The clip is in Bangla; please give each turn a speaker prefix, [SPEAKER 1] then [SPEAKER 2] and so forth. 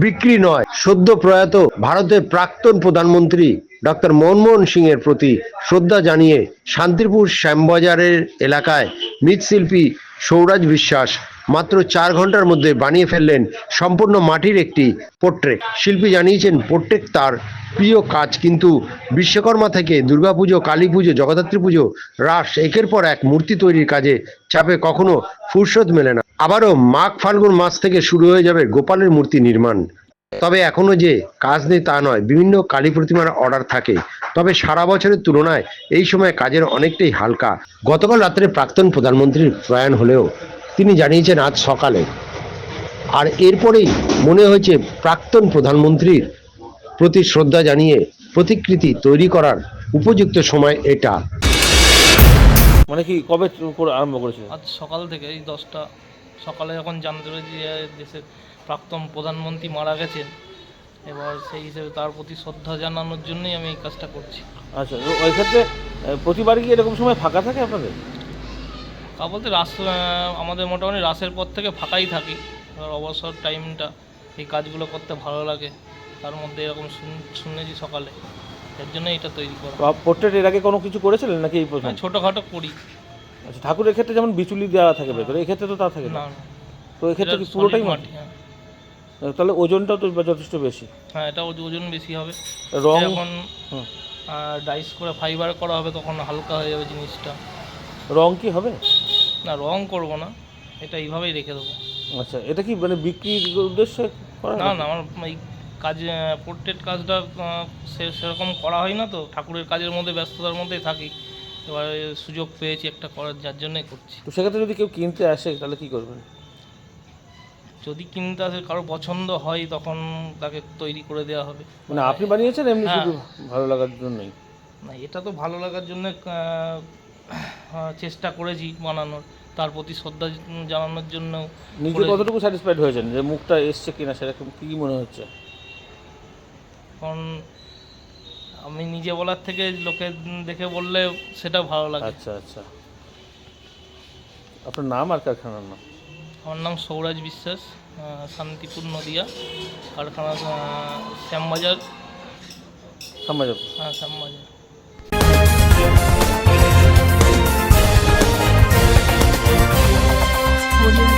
[SPEAKER 1] বিক্রি নয়। সদ্য প্রয়াত ভারতের প্রাক্তন প্রধানমন্ত্রী ডক্টর মনমোহন সিং এর প্রতি শ্রদ্ধা জানিয়ে শান্তিপুর শ্যামবাজারের এলাকায় মৃৎশিল্পী সৌরাজ বিশ্বাস মাত্র 4 ঘন্টার মধ্যে বানিয়ে ফেললেন সম্পূর্ণ মাটির একটি পোর্ট্রেট। শিল্পী জানিয়েছেন পোর্ট্রেট তার প্রিয় কাজ, কিন্তু বিশ্বকর্মা থেকে দুর্গাপুজো, কালী পুজো, জগদ্ধাত্রী পুজো, রাস, একের পর এক মূর্তি তৈরির কাজে চাপে কখনো ফুরসত মেলে না। আবারও মাঘ ফাল্গুন মাস থেকে শুরু হয়ে যাবে গোপালের মূর্তি নির্মাণ। তবে এখনো যে কাজ নেই তা নয়, বিভিন্ন কালী প্রতিমার অর্ডার থাকে, তবে সারা বছরের তুলনায় এই সময় কাজের অনেকটাই হালকা। গতকাল রাত্রে প্রাক্তন প্রধানমন্ত্রীর প্রয়াণ হলেও তিনি জানিয়েছেন আজ সকালে, আর এরপরেই মনে হয়েছে প্রাক্তন প্রধানমন্ত্রীর প্রতি শ্রদ্ধা জানিয়ে প্রতিকৃতি তৈরি করার উপযুক্ত সময় এটা।
[SPEAKER 2] মানে কি কবে আরম্ভ করেছিল?
[SPEAKER 3] আজ সকাল থেকে এই 10টা সকালে যখন জানতে পেরেছি যে দেশের প্রাক্তন প্রধানমন্ত্রী মারা গেছেন, এবার সেই হিসেবে তার প্রতি শ্রদ্ধা জানানোর জন্যই আমি এই কাজটা করছি।
[SPEAKER 2] আচ্ছা, ওই ক্ষেত্রে প্রতিবার কি এরকম সময় ফাঁকা থাকে আপনাদের?
[SPEAKER 3] তা বলতে আমাদের মোটামুটি রাসের পর থেকে ফাঁকাই থাকি। এবার অবসর টাইমটা এই কাজগুলো করতে ভালো লাগে, তার মধ্যে এরকম শুনেছি সকালে, এর জন্য এটা তৈরি করা।
[SPEAKER 2] পোর্ট্রেট এর আগে কোনো কিছু করেছিলেন নাকি এই প্রথম?
[SPEAKER 3] ছোটোখাটো করি।
[SPEAKER 2] আচ্ছা, ঠাকুরের ক্ষেত্রে যেমন বিচুলি দেওয়া থাকে ভেতরে, এই ক্ষেত্রে তো তা থাকে না। তো এই ক্ষেত্রে কি পুরোটাই মাটি? তাহলে ওজনটাও তো যথেষ্ট বেশি।
[SPEAKER 3] হ্যাঁ, এটা ওজন বেশি হবে।
[SPEAKER 2] রং
[SPEAKER 3] যখন ডাইস করে ফাইবার করা হবে তখন হালকা হয়ে যাবে জিনিসটা।
[SPEAKER 2] রং কি হবে?
[SPEAKER 3] না, রং করব না, এটা এইভাবেই রেখে দেবো।
[SPEAKER 2] আচ্ছা, এটা কি মানে বিক্রির উদ্দেশ্যে করা?
[SPEAKER 3] না, আমার এই কাজ পোর্ট্রেট কাজটা সেরকম করা হয় না, তো ঠাকুরের কাজের মধ্যে ব্যস্ততার মধ্যেই থাকি। এবার সুযোগ পেয়েছি একটা করার, যার জন্যই করছি।
[SPEAKER 2] তো সেক্ষেত্রে যদি কেউ কিনতে আসে তাহলে কি করবেন?
[SPEAKER 3] যদি কিনতে আসে, কারো পছন্দ হয়, তখন তাকে তৈরি করে দেওয়া হবে।
[SPEAKER 2] মানে আপনি বানিয়েছেন এমনি শুধু ভালো লাগার জন্যই?
[SPEAKER 3] না, এটা তো ভালো লাগার জন্য চেষ্টা করেছি বানানোর, তার প্রতি শ্রদ্ধা জানানোর জন্য।
[SPEAKER 2] নিজে কতটুকু স্যাটিসফাইড হয়েছেন যে মুখটা এসছে কিনা, সেরকম কী মনে হচ্ছে?
[SPEAKER 3] কারণ আমি নিজে বলার থেকে লোকে দেখে বললে সেটা ভালো লাগে।
[SPEAKER 2] আচ্ছা আচ্ছা, আপনার নাম আর কারখানার নাম?
[SPEAKER 3] আমার নাম সৌরাজ বিশ্বাস, শান্তিপুর নদিয়া, কারখানা শ্যামবাজার।
[SPEAKER 2] শ্যামবাজার?
[SPEAKER 3] হ্যাঁ, শ্যামবাজার।